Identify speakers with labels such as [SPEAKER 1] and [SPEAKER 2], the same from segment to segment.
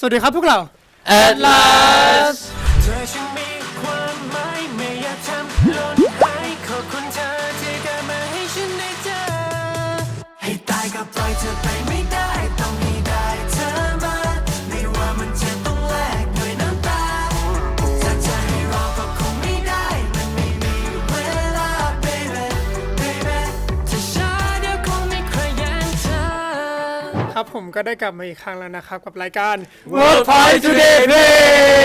[SPEAKER 1] สวัสดีครับพวกเรา
[SPEAKER 2] Atlas
[SPEAKER 3] เธอฉันมีความหมายไม่อยากทำหล่นหายขอบคุณเธอที่เกิดมาให้ฉันได้เจอให้ตายก็ปล่อยเธอไปไม่ได้ต้องให้ได้เธอมาไม่ว่ามันจะต้องแลกด้วยน้ำตาถ้าเธอให้รอก็คงไม่ได้มันไม่มีเวลา baby baby ถ้าช้าเดี๋ยวคงไม่ใครแย่งเธอ
[SPEAKER 1] ครับผมก็ได้กลับมาอีกครั้งแล้วนะครับกับรายการ
[SPEAKER 2] Workpoint Today Play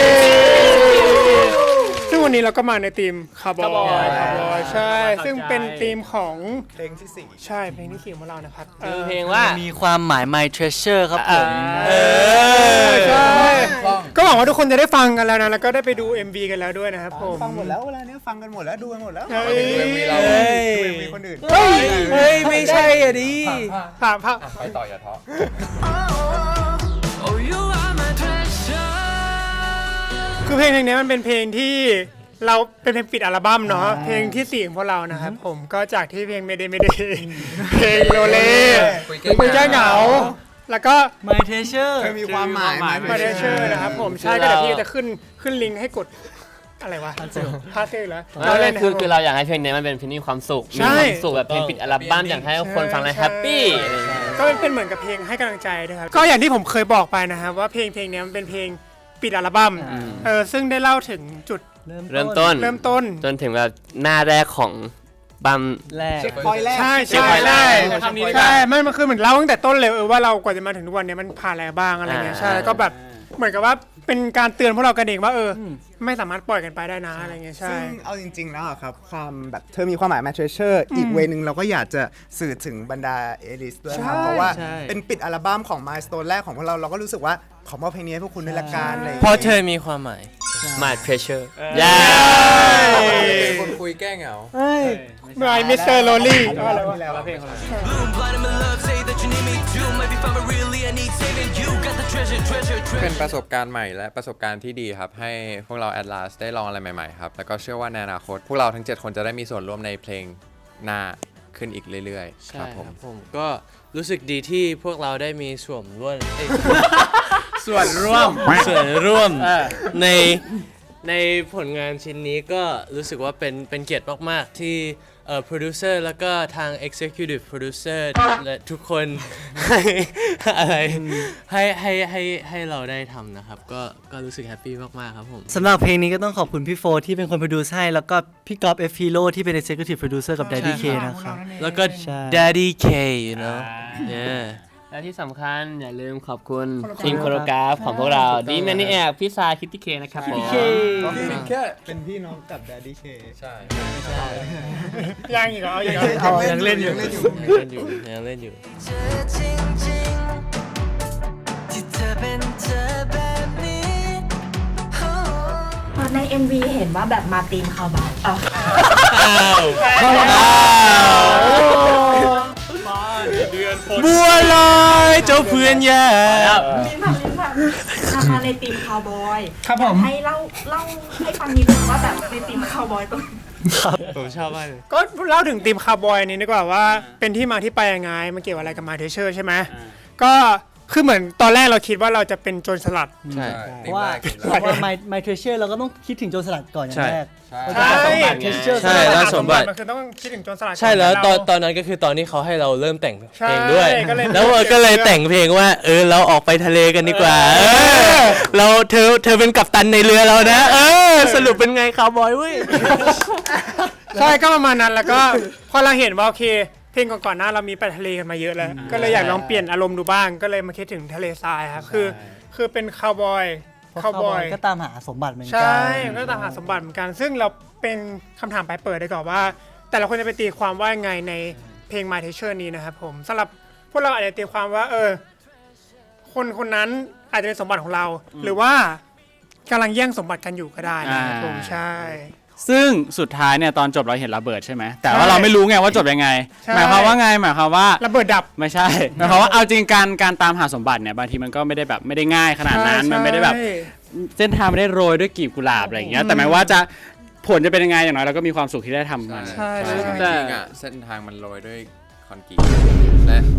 [SPEAKER 1] ซึ่งวันนี้เราก็มาในทีมคาร์บอย
[SPEAKER 2] Cowboy
[SPEAKER 1] ใช่ ซึ่งเป็นทีมของ
[SPEAKER 4] เพลงที่4
[SPEAKER 1] ใช่เพลงที่4ของเรานะครับ
[SPEAKER 2] เพลงว่ามีความหมาย My Treasure ครับผม
[SPEAKER 1] ใช่ก็หวังว่าทุกคนจะได้ฟังกันแล้วนะแล้วก็ได้ไปดู MV กันแล้วด้วยนะครับผม
[SPEAKER 4] ฟังหมดแล้วเวลาเนี้ยฟังกันหมดแล้วดูกันหมดแล้ว
[SPEAKER 1] เฮ้ย
[SPEAKER 4] ดู MV เราดู MV คนอื่น
[SPEAKER 1] เฮ้ย
[SPEAKER 2] เฮ้ย ไม่ใช่อ่ะดิ
[SPEAKER 1] ถามภาพ
[SPEAKER 4] ไปต่ออย่าท้อ
[SPEAKER 3] Oh you are my treasure
[SPEAKER 1] คือเพลงนี้มันเป็นเพลงที่เราเป็นเพลงปิดอัลบั้มเนาะเพลงที่4ของพวกเรานะครับผมก็จากที่เพลงไม่ได้เพลงโลเล่คุยแก้เหงาแล้วก็
[SPEAKER 2] My Treasure
[SPEAKER 4] เธอมีความหมายไหม
[SPEAKER 1] มาเดเชอร์นะครับผมใช่ก็เดี๋ยวพี่จะขึ้นลิงก์ให้กดอะไรวะพาเซลแล้วเราเล่น
[SPEAKER 5] คือเราอยากให้เพลงนี้มันเป็นเพลงที่มีความสุข
[SPEAKER 1] ใช่
[SPEAKER 5] มีความสุขแบบเพลงปิดอัลบั้มอยากให้คนฟังแล้วแฮปปี้อะไรอย่างเงี้ย
[SPEAKER 1] ก็เป็นเหมือนกับเพลงให้กำลังใจด้วยครับก็อย่างที่ผมเคยบอกไปนะครับว่าเพลงนี้มันเป็นเพลงปิดอัลบั้มซึ่งได้เล่าถึงจุด
[SPEAKER 5] เริ่มต้น จนถึงแบบหน้าแรกของบัม
[SPEAKER 2] แรก
[SPEAKER 4] เช็คพอยต์แรก
[SPEAKER 1] ใช่
[SPEAKER 5] เช็คพอยต์แรก
[SPEAKER 1] ใช่มันคือเหมือนเล่าตั้งแต่ต้นเลยว่าเรากว่าจะมาถึงทุกวันนี้มันผ่านอะไรบ้างอะไรเงี้ยใช่แล้วก็แบบเหมือนกับว่าเป็นการเตือนพวกเรากันเองว่าไม่สามารถปล่อยกันไปได้นะอะไรเงี้ยใช่
[SPEAKER 4] ซึ่งเอาจริงๆแล้วอะครับความแบบเธอมีความหมาย My Treasure อีกเวนึงเราก็อยากจะสื่อถึงบรรดาเอลิสด้วยครับ
[SPEAKER 1] ใช่
[SPEAKER 4] เพราะว่า
[SPEAKER 2] ใช่
[SPEAKER 4] เป็นปิดอัลบั้มของ Milestone แรกของพวกเราก็รู้สึกว่าขอมอบเพลงนี้ให้พวกคุณด้วยละกันอะไรอย่าง
[SPEAKER 2] เพราะ
[SPEAKER 4] เงี้ย
[SPEAKER 2] เธอมีความหมาย
[SPEAKER 5] My Treasure
[SPEAKER 4] คนคุยแก้เหงา
[SPEAKER 1] บายมิสเตอร์โรลี่
[SPEAKER 3] Bloom blind in my love say that you need me too maybe find me really I need saving you got the treasure
[SPEAKER 6] เป็นประสบการณ์ใหม่และประสบการณ์ที่ดีครับให้พวกเรา Atlas ได้ลองอะไรใหม่ๆครับแล้วก็เชื่อว่าในอนาคตพวกเราทั้ง 7 คนจะได้มีส่วนร่วมในเพลงหน้าขึ้นอีกเรื่อยๆ
[SPEAKER 2] ใช่
[SPEAKER 6] ครับ
[SPEAKER 2] ค
[SPEAKER 6] ผม
[SPEAKER 2] รับผมก็รู้สึกดีที่พวกเราได้มีส่วนร่วม
[SPEAKER 5] ส่วนร่วม
[SPEAKER 2] ในผลงานชิ้นนี้ก็รู้สึกว่าเป็นเกียรติมากๆที่โปรดิวเซอร์แล้วก็ทาง Executive Producer และทุกคนให้อะไรให้เราได้ทำนะครับก็รู้สึกแฮปปี้มากๆครับผม
[SPEAKER 7] สำหรับเพลงนี้ก็ต้องขอบคุณพี่โฟที่เป็นคนโปรดิวซ์ให้แล้วก็พี่ก๊อฟ F Hero ที่เป็น Executive Producer กับ Daddy K นะครับ
[SPEAKER 2] แล้วก็
[SPEAKER 7] ใช่
[SPEAKER 2] Daddy K you know yeah
[SPEAKER 5] และที่สำคัญอย่าลืมขอบคุณทีมโคโรกราฟของพวกเราดีแมนนี่แอบพี่ซาคิตตี้เคนะครับผม
[SPEAKER 4] เป็นพี่น้องกับ Daddy K ใช่
[SPEAKER 1] ยังอีกเหรอเอาอีกเหรอ
[SPEAKER 7] ยังเล่นอยู่
[SPEAKER 2] ยังเล่นอยู่
[SPEAKER 3] เธอจริงๆที่เธอเป็นเธอแบบนี้
[SPEAKER 8] ใน MV เห็นว่าแบบมาตีมคาวบอย
[SPEAKER 2] บัวลอยเจ้าเพื่อนยา
[SPEAKER 8] ลิ้นผับมาในตีมคาวบอย
[SPEAKER 1] ครับผม
[SPEAKER 8] ให้เล่าให้ฟังนิดนึงว่าแบบในตีมคาวบอยตรง
[SPEAKER 2] ผมชอบมากเลย
[SPEAKER 1] ก็เล่าถึงทีมคาร์บอยนี้ดีกว่าว่าเป็นที่มาที่ไปยังไงมันเกี่ยวอะไรกับมาเทเชอร์ใช่ไหมก็คือเหมือนตอนแรกเราคิดว่าเราจะเป็นโจรสลัด
[SPEAKER 2] ใช่
[SPEAKER 7] เพราะว่าMy Treasure เราก็ต้องคิดถึงโจรสลัดก่อนอย่างแรก
[SPEAKER 1] ใช่
[SPEAKER 7] Treasure
[SPEAKER 2] ใช่แล้วสมบัติ
[SPEAKER 1] มันคือต้องคิดถึงโจรสลัด
[SPEAKER 2] ใช่แล้ว
[SPEAKER 1] ก่
[SPEAKER 2] ตอนนั้นก็คือตอนที่เขาให้เราเริ่มแต่งเพ
[SPEAKER 1] ใช่
[SPEAKER 2] ลงด้วย
[SPEAKER 1] ก็เลย
[SPEAKER 2] แล้วก็เลยแต่งเพลงว่าเราออกไปทะเลกันดีกว่าเราเธอเป็นกัปตันในเรือเรานะสรุปเป็นไงคาวบอยเว้ย
[SPEAKER 1] ใช่ก็ประมาณนั้นแล้วก็พอเราเห็นว่าโอเคเพลงก่อนๆหน้าเรามีไปทะเลกันมาเยอะแล้วก็เลยอยากลองเปลี่ยนอารมณ์ดูบ้างก็เลยมาคิดถึงทะเลทรายครับคือเป็นคาวบอย
[SPEAKER 7] คาวบอยก็ตามหาสมบัติเหมือนกั
[SPEAKER 1] ใช่ก็ตามหาสมบัติเหมือนกัน ซึ่งเราเป็นคำถามปลายเปิดได้ก่อนว่า แต่ละคนจะไปตีความว่ายังไงในเพลง My Treasure นี้นะครับผมสำหรับพวกเราอาจจะตีความว่าคนนั้นอาจจะเป็นสมบัติของเรา หรือว่ากำลังแย่งสมบัติกันอยู่ก็ได้นะครับผมใช่
[SPEAKER 9] ซึ่งสุดท้ายเนี่ยตอนจบเราเห็นระเบิดใช่ไหมแต่ว่าเราไม่รู้ไงว่าจบยังไง
[SPEAKER 1] ใช่
[SPEAKER 9] หมายความว่าไงหมายความว่า
[SPEAKER 1] ระเบิดดับ
[SPEAKER 9] ไม่ใช่หมายความว่าเอาจริงการตามหาสมบัติเนี่ยบางทีมันก็ไม่ได้แบบไม่ได้ง่ายขนาดนั้นมันไม่ได้แบบเส้นทางไม่ได้โรยด้วยกลีบกุหลาบอะไรอย่างเงี้ยแต่หมายว่าจะผลจะเป็นยังไงอย่างน้อยเราก็มีความสุขที่ได้ทำมัน
[SPEAKER 1] ใช่
[SPEAKER 6] จริงๆอะเส้นทางมันโรยด้วยคอนกรีตและ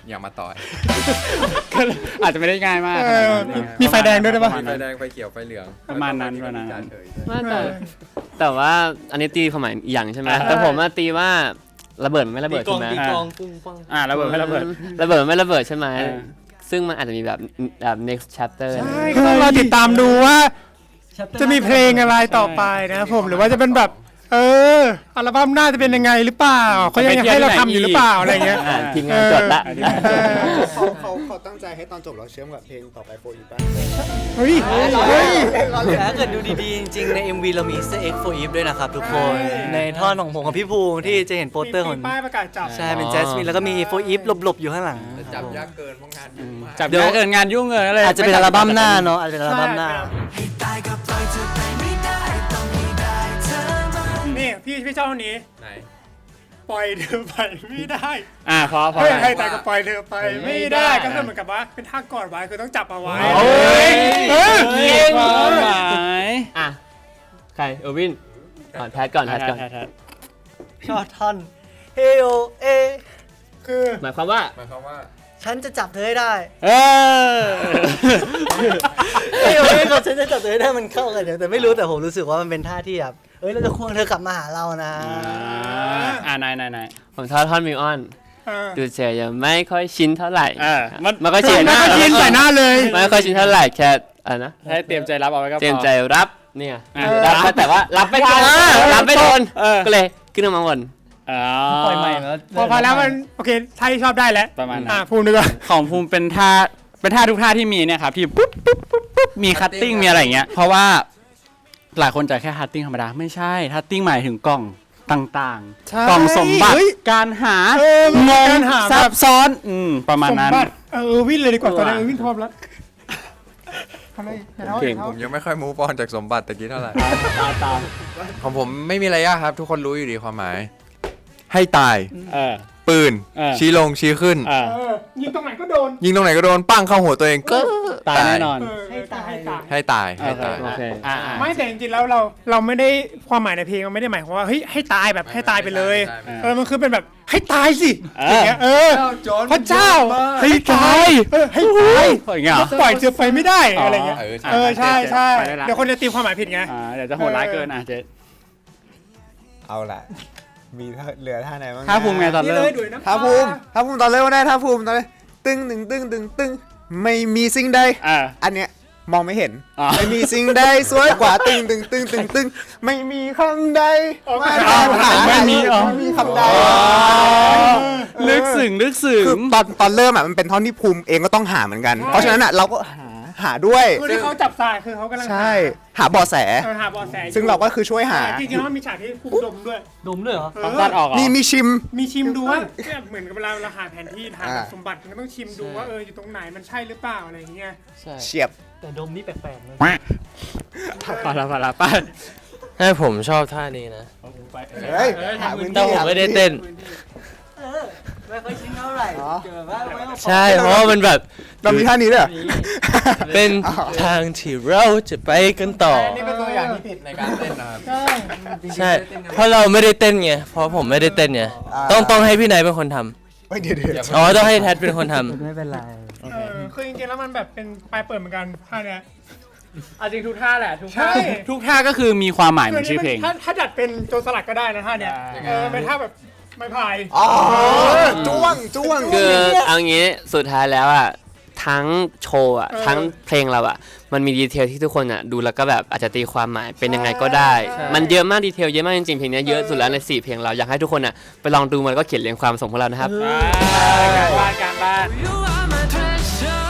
[SPEAKER 6] อย่ามาต่อย
[SPEAKER 9] ก็อาจจะไม่ได้ง่ายมาก
[SPEAKER 1] เออมีไฟแดงด้วยได้ปะ
[SPEAKER 6] มีไฟแดงไฟเขียวไฟเหลือง
[SPEAKER 9] ประมาณนั้นประมาณนั้น
[SPEAKER 5] ไม่แต่ว่าอันนี้ตีความหมายอีกอย่างใช่ไหมแต่ผมอะตีว่าระเบิดมันไม่ระเบิดใช่ไหม
[SPEAKER 7] ตีกลองปุ้งปัง
[SPEAKER 9] ระเบิดไม่ระเบิด
[SPEAKER 5] ระเบิดมันไม่ระเบิดใช่ไหม
[SPEAKER 9] เออ
[SPEAKER 5] ซึ่งมันอาจจะมีแบบ next chapter
[SPEAKER 1] ใช่ก็ต้องรอติดตามดูว่าจะมีเพลงอะไรต่อไปนะครับผมหรือว่าจะเป็นแบบอัลบั้มหน้าจะเป็นยังไงหรือเปล่าเขายังให้เราทำอยู่หรือเปล่าอะไรเงี้ย
[SPEAKER 5] ทีมงานจดละ
[SPEAKER 4] เขาตั้งใจให้ตอนจบเราเชื่อมกับเพลงต่อไปโฟอีป่ะ
[SPEAKER 1] เฮ้ย
[SPEAKER 7] แต่ถ้าเกิดดูดีๆ จริงๆ ใน MV เรามี Easter egg for Eve ด้วยนะครับทุกคน ในท่อนของผมกับพี่ภูมิที่จะเห็นโปสเตอร์ของ
[SPEAKER 1] มีป้ายประกาศจับ
[SPEAKER 7] ใช่ เป็นแจสมินแล้วก็มี for Eve หลบๆ อยู่ข้างหลัง
[SPEAKER 6] จับยากเกินเพราะงานยุ่งมาก
[SPEAKER 9] จับเดี๋ยวเกินงานยุ่งเลย
[SPEAKER 7] อาจจะเป็นอัลบั้มหน้าเนาะอาจจะเป็นอัลบั้มหน้า
[SPEAKER 3] ให้ตายก็ปล่อยเธอไปไม่ได้ต้องให้ได้เธอมา
[SPEAKER 1] นี่พี่เจ้าคนนี้
[SPEAKER 6] ไหน
[SPEAKER 1] ปล่อยเธอไปไม่ได้
[SPEAKER 9] พอ
[SPEAKER 1] เฮ้ยให้ตายก็ปล่อยเธอไปไม่ได้ก็คือเหมือนกับว่าเป็นท่ากอดไว้คือต้องจับเอาไว้
[SPEAKER 9] โอ้ย
[SPEAKER 1] เออ
[SPEAKER 9] ความหมาย
[SPEAKER 5] อ่ะใครเออร์วินแพทก่อน
[SPEAKER 7] ชอบท่อนเฮโอเอ
[SPEAKER 1] คือ
[SPEAKER 5] หมายความว่า
[SPEAKER 6] หมายความว่า
[SPEAKER 7] ฉันจะจับเธอให้ได้
[SPEAKER 9] เออ
[SPEAKER 7] เฮโอเอกับฉันจะจับเธอให้ได้มันเข้ากันเดี๋ยวแต่ไม่รู้แต่ผมรู้สึกว่ามันเป็นท่าที่แบบเราจะควงเธอกลับมาหาเรานะ
[SPEAKER 9] นาย
[SPEAKER 5] ผมชอบท่อนมิวออน ดูเฉยยังไม่ค่อยชินเท่าไหร่ มันก็ชิน
[SPEAKER 1] ไม่ค่อยชินใส่หน้าเลย
[SPEAKER 5] ไม่ค่อยชินเท่าไหร่แค่อะไรนะ
[SPEAKER 9] ให้เตรียมใจรับเอาไว้ก็พอ
[SPEAKER 5] เตรียมใจรับเนี่ย
[SPEAKER 9] รับ
[SPEAKER 5] แต่ว่ารับไม่ทันรับไม่ทัน
[SPEAKER 9] เออ
[SPEAKER 5] ก็เลยขึ้นมาวน
[SPEAKER 7] ปล่อยใหม่แล้ว
[SPEAKER 1] พอแล้วมันโอเคท่าที่ชอบได้แล้ว
[SPEAKER 9] ประมาณนั้น
[SPEAKER 1] ภูมิดีกว่า
[SPEAKER 9] ของภูมิเป็นท่าทุกท่าที่มีเนี่ยครับที่ปุ๊บมีคัตติ้งมีอะไรอย่างเงี้ยเพราะว่าหลายคนจะแค่คัตติ้งธรรมดาไม่ใช่คัตติ้งหมายถึงกล่องต่าง
[SPEAKER 1] ใช่
[SPEAKER 9] ๆ กล่องสมบัติ
[SPEAKER 1] เฮ้ย
[SPEAKER 9] การหา
[SPEAKER 1] มัน
[SPEAKER 9] ง
[SPEAKER 1] มี
[SPEAKER 9] ง
[SPEAKER 1] การหา
[SPEAKER 9] ซั
[SPEAKER 1] แบบ
[SPEAKER 9] บซ้อนประมาณ
[SPEAKER 1] สม
[SPEAKER 9] นั้น
[SPEAKER 1] บัติวินเลยดีกว่าตอนนี้วินพร้อมแล้วทำไม
[SPEAKER 9] เก่ง
[SPEAKER 6] ผมยังไม่ค่อยมูฟออนจากสมบัติตะกี้เท่าไหร่
[SPEAKER 9] ตาม
[SPEAKER 6] ของผมไม่มีอะไรยากครับ ทุกคนรู้อยู่ดีความหมาย ให้ตาย ปืน ชี้ลงชี้ขึ้น
[SPEAKER 1] ยิงตรงไหนก็โดน
[SPEAKER 6] ยิงตรงไหนก็โดน ปั้งเข้าหัวตัวเองก็
[SPEAKER 9] ตายแน่นอน
[SPEAKER 1] ให้ตาย
[SPEAKER 6] ให้ตายให้ตาย
[SPEAKER 5] โอเค
[SPEAKER 1] ไม่แต่จริงๆแล้วเราไม่ได้ความหมายในเพลงมันไม่ได้หมายความว่าเฮ้ยให้ตายแบบให้ตายไปเลย
[SPEAKER 6] ใช่
[SPEAKER 1] มันคือเป็นแบบให้ตายสิอย่างเงี้ยพระเจ้าให้ตายให้ตาย
[SPEAKER 9] อย่างเงี้ยเหรอ
[SPEAKER 1] ปล่อยเธอไปไม่ได้อะไรเงี้ย ใช่ใช่
[SPEAKER 9] ไปได้ละ
[SPEAKER 1] เดี๋ยวคนจะตีความหมายผิดไง
[SPEAKER 9] เดี๋ยวจะโหดร้ายเกินเจ๊
[SPEAKER 4] เอาล่ะ มีเหลือท่าไหนบ้างนะ
[SPEAKER 9] ท่าภูมิไงตอน
[SPEAKER 1] นี่
[SPEAKER 9] เริ่
[SPEAKER 1] เล
[SPEAKER 9] ม
[SPEAKER 1] ยดุยน้ำ
[SPEAKER 4] ท่าภูมิตอนเริ่มก็ได้ท่าภูมิตอนเลยตึ้งตึ้งไม่มีสิ่งใดอันเนี้ยมองไม่เห็น ไม่มีสิ่งใดสวยกว่าตึ้งไม่มีคำใดมาตามหา
[SPEAKER 9] ไม่มี
[SPEAKER 4] คำใด
[SPEAKER 9] ลึกซึ้ง
[SPEAKER 4] คือตอนเริ่มมันเป็นท่อนที่ภูมิเองก็ต้องหาเหมือนกัน เพราะฉะนั้นเราก็หาด้วย
[SPEAKER 1] คือที่เขาจับสายคือเขากำลัง
[SPEAKER 4] ใช่หาเบาะแส
[SPEAKER 1] หาเบอแสอยู่
[SPEAKER 4] ซึ่งเราก็คือช่วยหา
[SPEAKER 1] จริงๆแล้วมันมีฉากที่ภูมิดมด้วย
[SPEAKER 7] ดมด้วยเหรอ
[SPEAKER 9] ตัดออกเหรอ
[SPEAKER 4] มีชิม
[SPEAKER 1] มีชิมดูว่าเนี่ยเหมือนกับเวลาเราหาแผนที่ทาง
[SPEAKER 4] อ่า
[SPEAKER 1] สมบัติมันก็ต้องชิมดูว่าอยู่ตรงไหนมันใช่หรือเปล่าอะไรอย่างเงี้ย
[SPEAKER 4] เฉียบ
[SPEAKER 7] แต่ดมนี่แปลกๆนะ
[SPEAKER 9] พอละไป
[SPEAKER 2] ให้ผมชอบท่านี้นะ
[SPEAKER 4] เฮ้ยหาพื้น
[SPEAKER 2] แต่
[SPEAKER 4] ที่
[SPEAKER 2] ผมไม่ได้เต้น
[SPEAKER 7] ไม่ค่อยชินเท่าไหร่เจอว่าไม่ค่อย
[SPEAKER 2] ใช่เพราะว่ามันแบบ
[SPEAKER 4] เรามีท่านี้ด้วยเหรอ
[SPEAKER 2] เป็นทางที่เราจะไปกันต่อ
[SPEAKER 6] นี่เป็นตัวอย่างที่ผิดในการเต้นนะครับ
[SPEAKER 2] ใช่ เพราะเราไม่ได้เต้นไง เพราะผมไม่ได้เต้นไง ต้องให้พี่นายเป็นคนทำ
[SPEAKER 4] เฮ้ยเดี๋ยว
[SPEAKER 2] อ๋อ ต้องให้แทดเป็นคนทำ
[SPEAKER 7] ไม่เป็นไร
[SPEAKER 1] คือจริงๆแล้วมันแบบเป็นปลายเปิดเหมือนกันท่าเนี้ย
[SPEAKER 9] เอาจริงทุกท่าแหละทุก
[SPEAKER 1] ใช่
[SPEAKER 9] ทุกท่าก็คือมีความหมายเหมือนชื่อเพลง
[SPEAKER 1] ถ้าดัดเป็นโจรสลัดก็ได้นะท่าเนี้ยเป็นท่าแบบไม้พาย
[SPEAKER 4] อ๋อจ้วง
[SPEAKER 5] คือเอางี้สุดท้ายแล้วอ่ะทั้งโชว์อ่ะทั้งเพลงเราอ่ะมันมีดีเทลที่ทุกคนอ่ะดูแล้วก็แบบอาจจะตีความหมายเป็นยังไงก็ได้ มันเยอะมากดีเทลเยอะมากจริงๆเพลงนี้เยอะสุดแล้วใน4เพลงเราอยากให้ทุกคนอ่ะไปลองดูมันแล้วก็เขียนเรียงความส่งพวกเรานะครับ
[SPEAKER 9] การบ้าน
[SPEAKER 3] You are my treasure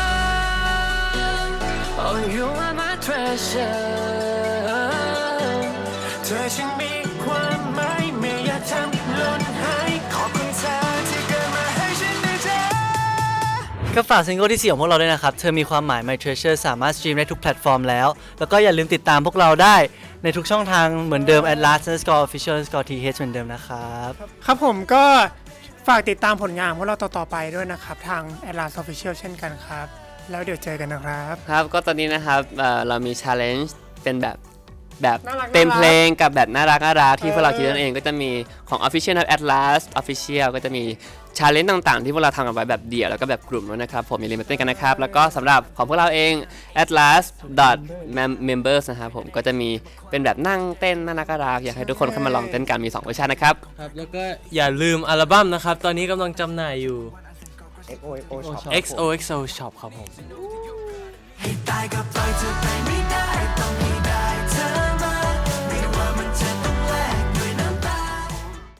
[SPEAKER 3] Oh you are my treasure เธอฉันมีความหมายไม่อยากทำหล่นหายขอบคุณเธอที่เกิดมาให้ฉันได้เจอ
[SPEAKER 7] ก็ฝากซิงเกิลที่ 4 ของพวกเราด้วยนะครับ เธอมีความหมาย My Treasure สามารถสตรีมได้ทุกแพลตฟอร์มแล้ว แล้วก็อย่าลืมติดตามพวกเราได้ในทุกช่องทางเหมือนเดิม @last_official_th เหมือนเดิมนะครับ
[SPEAKER 1] ครับผมก็ฝากติดตามผลงานพวกเราต่อๆไปด้วยนะครับทาง Atlas Official เช่นกันครับแล้วเดี๋ยวเจอกันนะครับ
[SPEAKER 5] ครับก็ตอนนี้นะครับเรามี challenge เป็นแบบ
[SPEAKER 1] น่ารัก
[SPEAKER 5] เต็มเพลงกับแบบน่ารักที่พวกเราคิดนั่นเองก็จะมีของ Official นะครับ Atlas Official ก็จะมีชาเลนจ์ต่างๆ ที่พวกเราทำกันไว้แบบเดี่ยวแล้วก็แบบกลุ่มด้วยนะครับผมอย่าลืมมาเต้นกันนะครับแล้วก็สำหรับของพวกเราเอง atlas.members นะครับผมก็จะมีเป็นแบบนั่งเต้นน่ารักอยากให้ทุกคนเข้ามาลองเต้นกันมี2เวอร์ชันนะครับ
[SPEAKER 2] ครับแล้วก็อย่าลืมอัลบั้มนะครับ ตอนนี้กำลังจำหน่ายอยู่
[SPEAKER 4] XOXO Shop
[SPEAKER 2] XOXO Shop ครับผม
[SPEAKER 3] ให้ตายก็ปล่อยเธอไปไม่